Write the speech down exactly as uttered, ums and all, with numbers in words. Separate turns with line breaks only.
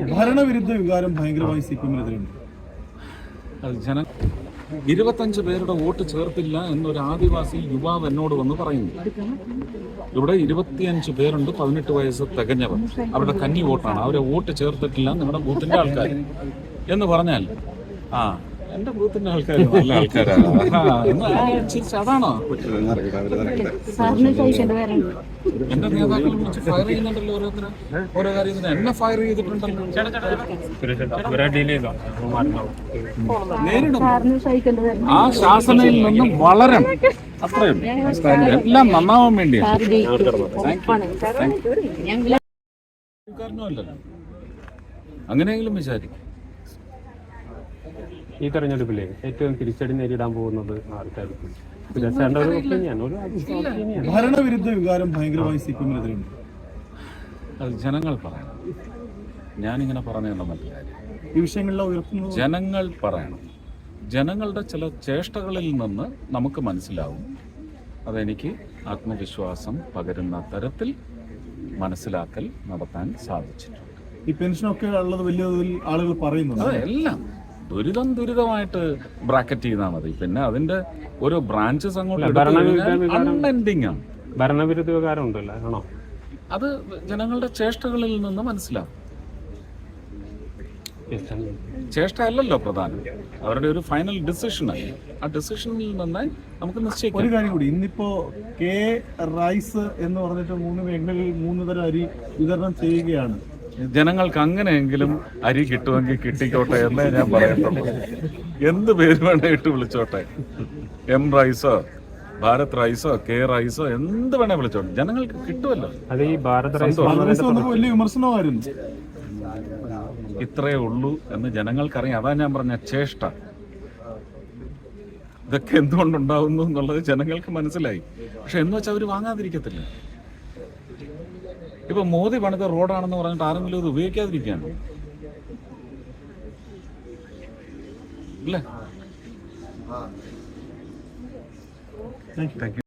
ഭരണവിരുദ്ധ വികാരം ഭയങ്കരമായി സി പി എമ്മിനെതിരുണ്ട്.
ജന ഇരുപത്തഞ്ച് പേരുടെ വോട്ട് ചേർത്തില്ല എന്നൊരു ആദിവാസി യുവാവ് എന്നോട് വന്ന് പറയുന്നു. ഇവിടെ ഇരുപത്തിയഞ്ച് പേരുണ്ട് പതിനെട്ട് വയസ്സ് തികഞ്ഞവർ. അവരുടെ കന്നി വോട്ടാണ്, അവരെ വോട്ട് ചേർത്തിട്ടില്ല നിങ്ങളുടെ ബൂത്തിന്റെ ആൾക്കാർ എന്ന് പറഞ്ഞാൽ ആ എന്റെ ബൂത്തിന്റെ ആൾക്കാർ നല്ല ആൾക്കാരാണ്. അതാണോ എന്റെ നേതാക്കൾ വിളിച്ച് ഫയർ ചെയ്യുന്നുണ്ടല്ലോ ഓരോരുത്തരും ഓരോ കാര്യത്തിന്. എന്നെ ഫയർ ചെയ്തിട്ടുണ്ടല്ലോ. നേരിടും. ആ ശാസനയിൽ നിന്നും വളരണം, അത്രയും എല്ലാം നന്നാവാൻ വേണ്ടിയാണ്. കാരണമല്ലല്ലോ, അങ്ങനെയെങ്കിലും വിചാരിക്കും.
ഈ തെരഞ്ഞെടുപ്പിലെ ഏറ്റവും തിരിച്ചടി നേരിടാൻ പോകുന്നത് ആർക്കായിരിക്കും?
ഭരണവിരുദ്ധ വികാരം ഭയങ്കരമായി സി പി എമ്മിനെതിരുണ്ട്.
അത് ജനങ്ങൾ പറയണം, ഞാനിങ്ങനെ പറഞ്ഞുള്ള മറ്റു കാര്യം.
ഈ വിഷയങ്ങളിലെ ഉയർത്തുന്നത്
ജനങ്ങൾ പറയണം. ജനങ്ങളുടെ ചില ചേഷ്ടകളിൽ നിന്ന് നമുക്ക് മനസ്സിലാവും. അതെനിക്ക് ആത്മവിശ്വാസം പകരുന്ന തരത്തിൽ മനസ്സിലാക്കൽ നടത്താൻ സാധിച്ചിട്ടുണ്ട്.
ഈ പെൻഷനൊക്കെ ഉള്ളത് വലിയ തോതിൽ ആളുകൾ പറയുന്നുണ്ട്.
അതെല്ലാം ദുരിതം ദുരിതമായിട്ട് ബ്രാക്കറ്റ് ചെയ്താൽ മതി. പിന്നെ അതിന്റെ ഓരോ ബ്രാഞ്ചസ് അങ്ങോട്ട് അൺഎൻഡിങ് ആണ്.
ഭരണവിരുദ്ധ വികാരം ഉണ്ടല്ലോ, ആണോ?
അത് ജനങ്ങളുടെ ചേഷ്ടകളിൽ നിന്ന് മനസ്സിലാവും. ചേഷ്ട അല്ലല്ലോ പ്രധാനം, അവരുടെ ഒരു ഫൈനൽ ഡിസിഷനായി. ആ ഡിസിഷനിൽ നിന്ന് നമുക്ക് നിശ്ചയിക്കാം.
ഒരു കാര്യം കൂടി, ഇന്നിപ്പോ കെ റൈസ് എന്ന് പറഞ്ഞിട്ട് മൂന്ന് മേഖലകളിൽ മൂന്ന് തരം അരി വിതരണം ചെയ്യുകയാണ്.
ജനങ്ങൾക്ക് അങ്ങനെയെങ്കിലും അരി കിട്ടുമെങ്കിൽ കിട്ടിക്കോട്ടെ എന്നേ ഞാൻ പറയത്തുള്ളൂ. എന്ത് പേര് വേണേ ഇട്ട് വിളിച്ചോട്ടെ. എം റൈസോ ഭാരത് റൈസോ കെ റൈസോ എന്ത് വേണേ വിളിച്ചോട്ടെ, ജനങ്ങൾക്ക് കിട്ടുമല്ലോ.
അത് ഈ ഭാരത് റൈസ്
വലിയ വിമർശനമായിരുന്നു.
ഇത്രയേ ഉള്ളൂ എന്ന് ജനങ്ങൾക്കറിയാം. അതാ ഞാൻ പറഞ്ഞ ചേഷ്ട. ഇതൊക്കെ എന്തുകൊണ്ടുണ്ടാവുന്നു എന്നുള്ളത് ജനങ്ങൾക്ക് മനസ്സിലായി. പക്ഷെ എന്ന് വെച്ചാൽ അവർ വാങ്ങാതിരിക്കത്തില്ല. ഇപ്പൊ മോദി പണിത റോഡാണെന്ന് പറഞ്ഞിട്ട് ആരെങ്കിലും ഇത് ഉപയോഗിക്കാതിരിക്കുകയാണ് അല്ലേ?